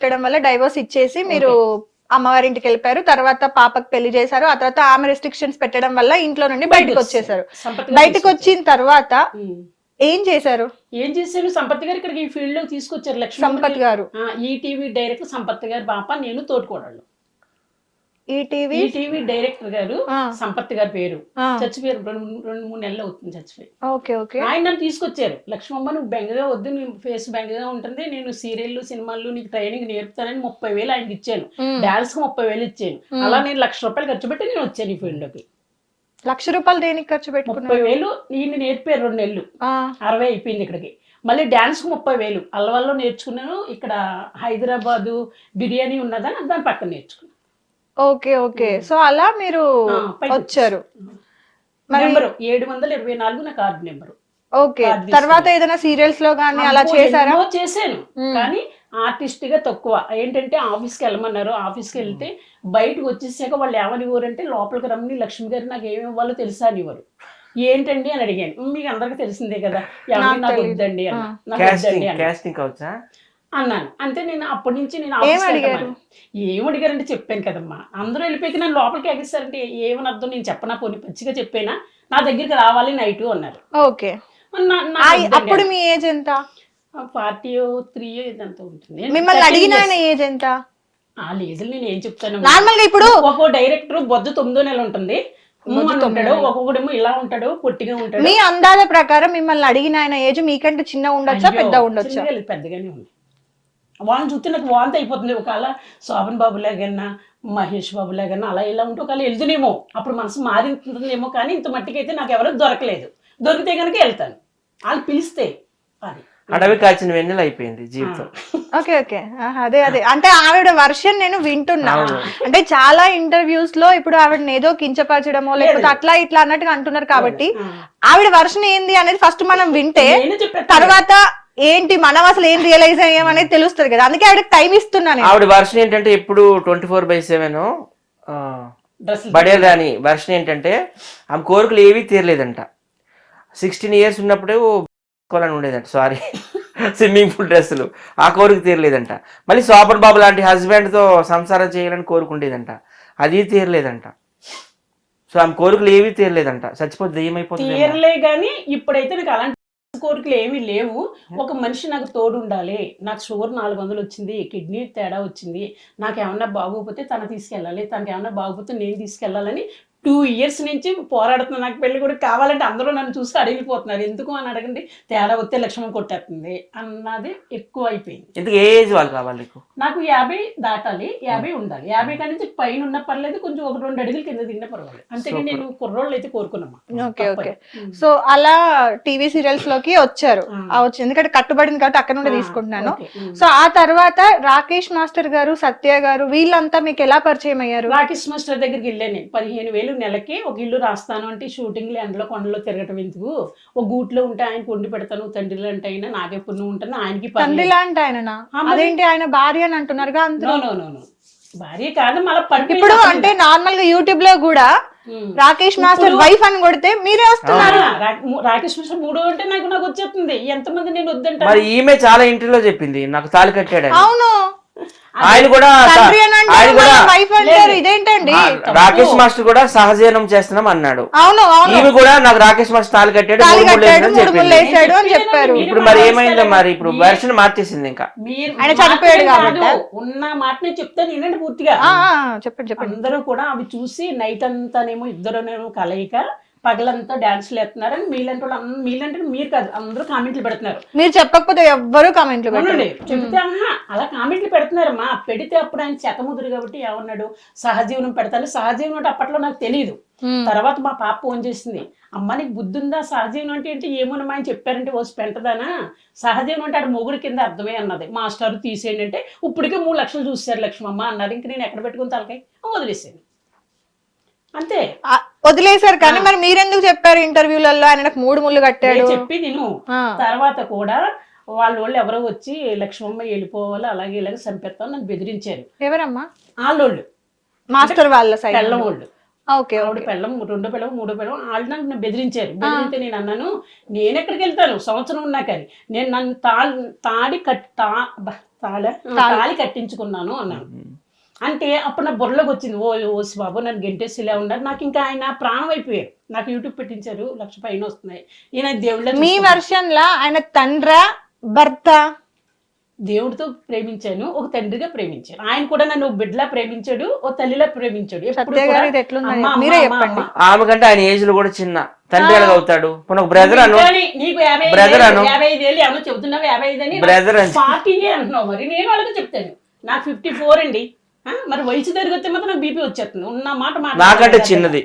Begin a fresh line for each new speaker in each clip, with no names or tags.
పెట్టడం వల్ల డైవోర్స్ ఇచ్చేసి మీరు అమ్మవారి ఇంటికి వెళ్ళిపోయారు. తర్వాత పాపకు పెళ్లి చేశారు. ఆ తర్వాత ఆమె రెస్ట్రిక్షన్స్ పెట్టడం వల్ల ఇంట్లో నుండి బయటకు వచ్చేసారు. బయటకు వచ్చిన తర్వాత ఏం చేశారు?
సంపత్ గారు ఇక్కడికి ఈ ఫీల్డ్ లో తీసుకొచ్చారు. లక్ష్మీ
సంపత్ గారు
ఈటీవీ డైరెక్టర్ సంపత్ గారు పాప, నేను తోడుకోడళ్ళు.
ఈటీవీ
డైరెక్టర్ గారు సంపత్ గారి పేరు చచ్చిపోయారు. 2-3 నెలలు అవుతుంది చచ్చిపోయి. ఆయన నన్ను తీసుకొచ్చారు. లక్ష్మమ్మ నువ్వు బెంగగా వద్దు, నీ ఫేస్ బెంగగా ఉంటుంది, నేను సీరియల్లు సినిమాలు నీకు ట్రైనింగ్ నేర్పుతానని 30,000 ఆయనకి ఇచ్చాను. డాన్స్ కు 30,000 ఇచ్చాను. అలా నేను ₹1,00,000 ఖర్చు పెట్టి నేను వచ్చాను ఈ ఫీల్డ్ లోకి.
₹1,00,000 దేనికి ఖర్చు పెట్టుకున్నారు?
30,000 ఈయన నేర్పారు. 2 నెలలు 60 అయిపోయింది ఇక్కడికి. మళ్ళీ డాన్స్ కు 30,000 అల్లవల్లో నేర్చుకున్నాను. ఇక్కడ హైదరాబాదు బిర్యానీ ఉన్నదని దాని పక్కన నేర్చుకున్నాను.
ఓకే. సో అలా మీరు వచ్చారు.
నెంబరు 724 నా కార్డు నెంబరు.
ఓకే. తర్వాత ఏదైనా సీరియల్స్ లో గానీ అలా చేశారా?
చేశాను, కానీ ఆర్టిస్ట్ గా తక్కువ. ఏంటంటే ఆఫీస్కి వెళ్ళమన్నారు. ఆఫీస్కి వెళ్తే బయటకు వచ్చేసాక వాళ్ళు ఏమనివ్వరంటే లోపలికి రమ్మని లక్ష్మి గారు నాకు ఏమి ఇవ్వాలో తెలుసా అనివ్వరు. ఏంటండి అని అడిగాను. మీకు అందరికి తెలిసిందే కదా, నాకు వద్దండి అన్నాను. అంతే. నేను అప్పటి నుంచి నేను ఏమడిగారంటే చెప్పాను కదమ్మా, అందరూ వెళ్ళిపోయి నన్ను లోపలికి ఎగిస్తారంటే ఏమని అర్థం, నేను చెప్పనా, పోనీ పచ్చిగా చెప్పేనా, నా దగ్గరికి రావాలి నైట్ అన్నారు.
ఓకే. అప్పుడు మీ ఏజ్ ఎంత?
43 ఇదంతా ఉంటుంది.
మిమ్మల్ని అడిగిన ఏజ్ ఎంత?
ఆ లేదు, నేను ఏం చెప్తాను,
నార్మల్గా ఇప్పుడు
ఒక్కో డైరెక్టర్ బొద్దు 9 నెలలు ఉంటుంది, ఉంటాడు, ఒక్కొక్కడేమో ఇలా ఉంటాడు, పొట్టిగా ఉంటాడు.
మీ అందాల ప్రకారం మిమ్మల్ని అడిగిన ఆయన ఏజ్ మీకంటే చిన్న ఉండొచ్చా, పెద్ద ఉండొచ్చా?
పెద్దగానే ఉంది. వాళ్ళని చూస్తే నాకు వాంతి అయిపోతుంది. ఒకవేళ శోభన్ బాబు లాగన్నా మహేష్ బాబు లాగన్నా అలా ఇలా ఉంటే ఒకవేళ వెళ్తునేమో, అప్పుడు మనసు మారింటుందేమో. కానీ ఇంత మట్టికైతే నాకు ఎవరో దొరకలేదు. దొరికితే కనుక వెళ్తాను, వాళ్ళు పిలిస్తే. అది
అడవి కాచిన వెన్నెల అయిపోయింది జీవితం.
ఓకే. అదే అంటే ఆవిడ వర్షన్ నేను వింటున్నా. అంటే చాలా ఇంటర్వ్యూస్ లో ఇప్పుడు ఆవిడని ఏదో కించపరచడమో లేకపోతే అట్లా ఇట్లా అన్నట్టుగా అంటున్నారు. కాబట్టి ఆవిడ వర్షన్ ఏంది అనేది ఫస్ట్ మనం వింటే తర్వాత ఏంటి మనం అసలు ఏం రియలైజ్ అయ్యాం అనేది తెలుస్తుంది కదా. అందుకే ఆవిడకి టైం ఇస్తున్నాను.
ఆవిడ వర్షన్ ఏంటంటే ఎప్పుడు 24/7 బడేల్ రాని వర్షన్ ఏంటంటే ఆమె కోరికలు ఏవీ తీరలేదంట. 16 years ఉన్నప్పుడే అని ఉండేదంట, సారీ స్విమ్మింగ్ పూల్ డ్రెస్సులు, ఆ కోరిక తీరలేదంట. మళ్ళీ శోభన్ బాబు లాంటి హస్బెండ్తో సంసారం చేయాలని కోరుకుండేదంట, అది తీరలేదంట. సో ఆమె కోరికలు ఏవీ తీరలేదంట, చచ్చిపోతే దెయ్యమైపోతుంది.
తీరలే కానీ ఇప్పుడైతే నాకు అలాంటి కోరికలు ఏమీ లేవు. ఒక మనిషి నాకు తోడు ఉండాలి. నాకు షుగర్ 400 వచ్చింది, కిడ్నీ తేడా వచ్చింది, నాకు ఏమన్నా బాగోకపోతే తన తీసుకెళ్ళాలి, తనకి ఏమన్నా బాగోకపోతే నేను తీసుకెళ్ళాలని 2 years నుంచి పోరాడుతున్నాను. నాకు పెళ్లి కూడా కావాలంటే అందరూ నన్ను చూసి అడిగిపోతున్నారు. ఎందుకు అని అడగండి, తేడా వస్తే లక్ష్మణ్ కొట్టేస్తుంది అన్నది ఎక్కువ అయిపోయింది.
ఎందుకు ఏ ఏజ్ వాళ్ళు కావాలి?
నాకు 50 దాటాలి, 50 ఉండాలి. 50 కాడి నుంచి పైన ఉన్న పర్లేదు, కొంచెం 1-2 అడుగులు కింద తిన్న పర్వాలేదు. అంతేగాని నేను కుర్రోళ్ళు అయితే కోరుకున్నామా.
ఓకే. సో అలా టీవీ సీరియల్స్ లోకి వచ్చారు. ఎందుకంటే కట్టుబడింది కాబట్టి అక్కడ నుండి తీసుకుంటున్నాను. సో ఆ తర్వాత రాకేష్ మాస్టర్ గారు, సత్య గారు వీళ్ళంతా మీకు ఎలా పరిచయం అయ్యారు?
రాకేష్ మాస్టర్ దగ్గరికి వెళ్ళాను నేను. 15,000 నెలకి ఒక ఇల్లు రాస్తాను అంటే షూటింగ్లు ఎండలో కొండలో తిరగటం ఎందుకు, ఒక గూట్లో ఉంటే ఆయన వండి పెడతాను, తండ్రి లాంటి అయినా నాకే పుణ్యం ఉంటాను. ఆయనకి
తండ్రి లాంటి ఆయన అదేంటి, ఆయన భార్య అని అంటున్నారుగా.
భార్య కాదు మళ్ళీ
ఇప్పుడు అంటే నార్మల్ గా యూట్యూబ్ లో కూడా రాకేష్ మాస్టర్ వైఫ్ అని కొడితే మీరే వస్తున్నారు.
రాకేష్ మాస్టర్ 3 అంటే నాకు వచ్చేస్తుంది. ఎంతమంది నేను వద్దంటే.
మరి ఈమె చాలా ఇంటర్వ్యూలో చెప్పింది నాకు తాళి కట్టాడు.
అవును,
ఆయన కూడా
ఇదేంటండి
రాకేష్ మాస్టర్ కూడా సహజీవనం చేస్తున్నాం అన్నాడు. ఈమె కూడా నాకు రాకేష్ మాస్టర్ తాళి కట్టాడు
అని చెప్పారు.
ఇప్పుడు మరి ఏమైందో మరి, ఇప్పుడు వెర్షన్ మార్చేసింది. ఇంకా
ఆయన చనిపోయాడు కాబట్టి
ఉన్న మాట నేను చెప్తాను వినండి పూర్తిగా.
చెప్పండి.
అందరూ కూడా అవి చూసి నైట్ అంతానేమో ఇద్దరునేమో కలయిక, పగలంతా డాన్స్లు వేస్తున్నారని మీలంటే మీరు కాదు అందరూ కామెంట్లు పెడుతున్నారు.
మీరు చెప్పకపోతే ఎవ్వరూ కామెంట్లు పెట్టండి.
చెబితే అలా కామెంట్లు పెడుతున్నారమ్మా. పెడితే అప్పుడు ఆయన చెతముదురు కాబట్టి ఏమన్నాడు, సహజీవనం పెడతాను. సహజీవనం అంటే అప్పట్లో నాకు తెలియదు. తర్వాత మా పాప ఫోన్ చేసింది, అమ్మ నీకు బుద్ధి ఉందా, సహజీవనం అంటే ఏంటి, ఏమోనమ్మా ఆయన చెప్పారంటే ఓసి పెంటదానా, సహజీవనం అంటే ఆడు మొగుడు కింద అర్థమే అన్నది. మాస్టర్ తీసేయండి అంటే ఇప్పటికే 3 లక్షలు చూసారు లక్ష్మమ్మ అన్నారు. ఇంక నేను ఎక్కడ పెట్టుకుని తలకాయ వదిలేసాను అంతే.
వదిలేశారు. కానీ మరి మీరెందుకు చెప్పారు ఇంటర్వ్యూలలో ఆయన 3 ముళ్ళు కట్టాడు
చెప్పి నేను. తర్వాత కూడా వాళ్ళు ఎవరో వచ్చి లక్ష్మమ్మ వెళ్ళిపోవాలి అలాగే ఇలాగే చంపేస్తాం నన్ను బెదిరించారు.
ఎవరమ్మా?
వాళ్ళోళ్ళు
మాస్టర్ వాళ్ళ సైడ్
పెళ్ళం వాళ్ళు.
ఆవిడ
పెళ్ళం 2 పిల్లలు 3 పిల్లలు వాళ్ళు నన్ను బెదిరించారు. బెదిరితే నేను అన్నాను, నేను ఎక్కడికి వెళ్తాను, సంవత్సరం ఉన్నా కానీ నేను నన్ను తాళి కట్టించుకున్నాను అన్నాను. అంటే అప్పుడు నా బుర్రలోకి వచ్చింది, ఓసి బాబు నన్ను గెంటేసిలా ఉన్నారు. నాకు ఇంకా ఆయన ప్రాణం అయిపోయారు. నాకు యూట్యూబ్ పెట్టించారు, 1,00,000 పైన వస్తున్నాయి. ఈయన దేవుళ్ళ
మీ వర్షన్ లా ఆయన తండ్రా భర్త?
దేవుడితో ప్రేమించాను, ఒక తండ్రిగా ప్రేమించాను. ఆయన కూడా నన్ను బిడ్డలా ప్రేమించాడు, ఓ తల్లిలా ప్రేమించాడు. ఎప్పుడు
సత్య
కూడా
గారు ఇది ఎట్లుంది?
అమ్మ,
మీరే
అమ్మ,
చెప్పండి.
అమ్మ.
ఆమె కంటే ఆయన ఏజ్ లో కూడా చిన్న, తండ్రి ఎలాగ అవుతాడు? మన బ్రదర్ అను,
కానీ నీకు 55
బ్రదర్ అను,
55 ఏళ్ళు ఏమో చెబుతున్నావు, 55 అని
బ్రదర్ అని
40 అంటున్నావు. మరి నేను వాళ్ళకి చెప్తాను, నాకు 54 అండి. మరి వయసు తిరిగితే మాత్రం నాకు బీపీ వచ్చేస్తుంది. ఉన్న మాట
నాకంటే చిన్నది,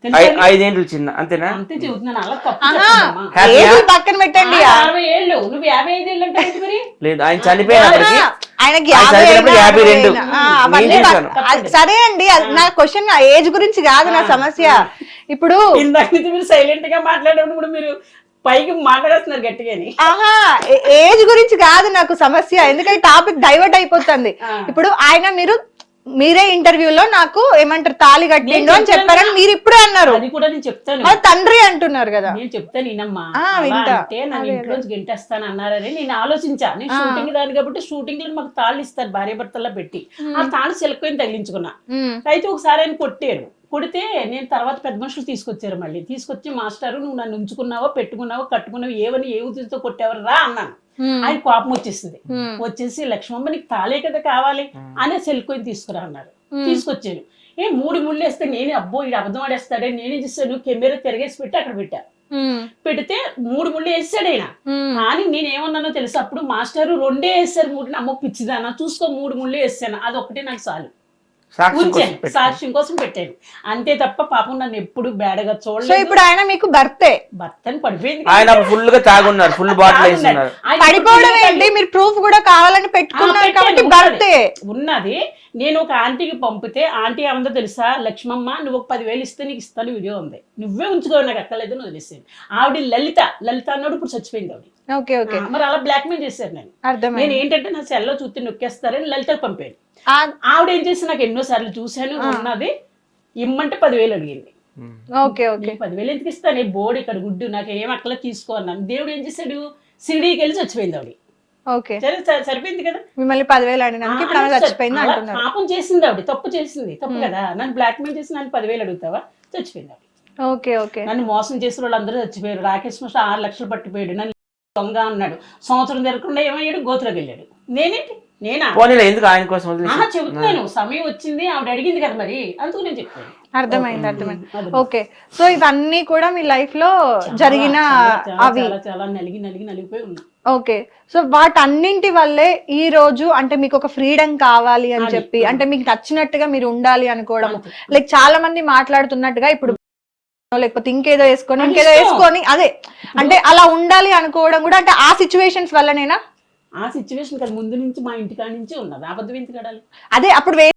5 ఏళ్ళు చిన్న, అంతేనా?
అంతే చెబుతున్నాను. అలా తప్పు చెప్పమ్మా.
ఏజ్ పక్కన పెట్టండి.
60 ఏళ్ళు, నువ్వు 55 ఏళ్ళు అంటే ఏంటి మరి?
లేదు, ఆయన చనిపోయినప్పటికీ
ఆయనకి
ఆయన చనిపోయినప్పుడు 52.
అవన్నీ
నేను చేశాను.
సరే అండి, నా క్వశ్చన్ ఏజ్ గురించి కాదు నా సమస్య. ఇప్పుడు
ఇందాక నుంచి మీరు సైలెంట్ గా మాట్లాడేటప్పుడు మీరు పైకి మాట్లాడేస్తున్నారు గట్టిగాని.
ఆహా, ఏజ్ గురించి కాదు నాకు సమస్య, ఎందుకంటే టాపిక్ డైవర్ట్ అయిపోతుంది. ఇప్పుడు ఆయన మీరే ఇంటర్వ్యూలో నాకు ఏమంటారు తాళి కట్టిండు అని చెప్పారని మీరు ఇప్పుడే అన్నారు.
అది కూడా నేను చెప్తాను,
మరి తండ్రి అంటున్నారు కదా.
నేను చెప్తాను ఈయనమ్మా.
వింటా.
అంటే నన్ను ఇంట్లోంచి గెంటేస్తాను అన్నారని నేను ఆలోచించా. నేను షూటింగ్ దాని కాబట్టి షూటింగ్ లో మాకు తాళ్ళు ఇస్తారు భార్య భర్తల్లో పెట్టి, ఆ తాళ్ళు చిలకొని తగిలించుకున్నా. అయితే ఒకసారి ఆయన కొట్టారు. కొడితే నేను తర్వాత పెద్ద మనుషులు తీసుకొచ్చారు. మళ్ళీ తీసుకొచ్చి, మాస్టారు నువ్వు నన్ను ఉంచుకున్నావో పెట్టుకున్నావో కట్టుకున్నావో ఏవని ఏ ఉద్దేశంతో కొట్టేవారు రా అన్నాను. ఆయన కోపం వచ్చేసింది. వచ్చేసి లక్ష్మమ్మ నీకు తాళే కదా కావాలి అనే సెల్కొని తీసుకురా అన్నారు. తీసుకొచ్చాను. 3 ముళ్ళు వేస్తే నేను అబ్బో ఇది అబద్ధం ఆడేస్తాడే, నేనే చేస్తాను, కెమెరా తిరగేసి పెట్టి అక్కడ పెట్టా. పెడితే 3 ముళ్ళు వేసాడు ఆయన. కానీ నేనేమన్నానో తెలుసు అప్పుడు, మాస్టారు 2 వేస్తారు 3, అమ్మ పిచ్చిదానా చూసుకో 3 ముళ్ళు వేసాను, అది ఒకటే నాకు చాలు ఉంచాను, సాక్ష్యం కోసం పెట్టాను అంతే తప్ప పాపం నన్ను ఎప్పుడు బేడగా చూడలేదు.
ఇప్పుడు ఆయన మీకు భర్తే?
భర్తని పడిపోయింది.
ఆయన ఫుల్ గా తాగున్నారు, ఫుల్ బాటిల్ వేస్తున్నారు.
పడిపోవడం ఏంటి, మీరు ప్రూఫ్ కూడా కావాలని పెట్టుకున్నారు కాబట్టి భర్తే
ఉన్నది. నేను ఒక ఆంటీకి పంపితే ఆంటీ ఏమందో తెలుసా, లక్ష్మమ్మ నువ్వు ఒక 10,000 ఇస్తే నీకు ఇస్తాను వీడియో ఉంది, నువ్వే ఉంచుకో నాకు అక్కర్లేదు అని వదిలేసాను. ఆవిడ లలిత అన్నాడు, ఇప్పుడు చచ్చిపోయింది ఆవిడ.
Okay okay.
మరి అలా బ్లాక్ మెయిల్ చేశారు నేను. నేను ఏంటంటే నా సెల్లో చూస్తే నొక్కేస్తారని లలితకు పంపాను. ఆవిడ ఏం చేసి నాకు ఎన్నో సార్లు చూశాను, ఉన్నది ఇమ్మంటే 10,000 అడిగింది.
Okay okay.
10,000 ఎందుకు ఇస్తాను, బోర్డు ఇక్కడ గుడ్డు నాకు ఏం అక్కల తీసుకో అన్నాను. దేవుడు ఏం చేశాడు, సిడీకి వెళ్ళి చచ్చిపోయింది ఆవిడ.
ఓకే,
సరిపోయింది కదా.
మిమ్మల్ని 10,000 అడిగినాక ఇప్పుడు ఆమె చచ్చిపోయింది అంటున్నారు.
పాపం చేసింది ఆవిడ, తప్పు చేసింది, తప్పు కదా. నన్ను బ్లాక్ మెయిల్ చేసి నన్ను 10,000 అడుగుతావా, చచ్చిపోయింది ఆవిడ.
Okay okay.
నన్ను మోసం చేసిన వాళ్ళందరూ చచ్చిపోయారు. రాకేష్ మాస్టర్ 6 లక్షలు పట్టిపోయాడు, నన్ను దొంగ అన్నాడు. సంవత్సరం జరగకుండా ఏమయ్యాడు, గోతులోకి వెళ్ళాడు. నేనా
ఎందుకు ఆయన కోసం
చెబుతున్నాను, సమయం వచ్చింది ఆవిడ అడిగింది కదా మరి, అందుకు నేను చెప్పాను.
అర్థమైంది. ఓకే, సో ఇవన్నీ కూడా మీ లైఫ్ లో జరిగిన అవి
చాలా నలిగిపోయి ఉన్నా.
ఓకే, సో వాటన్నింటి వల్లే ఈ రోజు అంటే మీకు ఒక ఫ్రీడమ్ కావాలి అని చెప్పి, అంటే మీకు నచ్చినట్టుగా మీరు ఉండాలి అనుకోవడం, లైక్ చాలా మంది మాట్లాడుతున్నట్టుగా ఇప్పుడు లేకపోతే ఇంకేదో వేసుకొని అదే అంటే అలా ఉండాలి అనుకోవడం కూడా అంటే ఆ సిచ్యువేషన్స్ వల్లనేనా?
ఆ సిచ్యువేషన్ కదా ముందు నుంచి మా ఇంటికాడ నుంచి ఉన్నది, అబద్ధం ఎందుకు కడాలి?
అదే అప్పుడు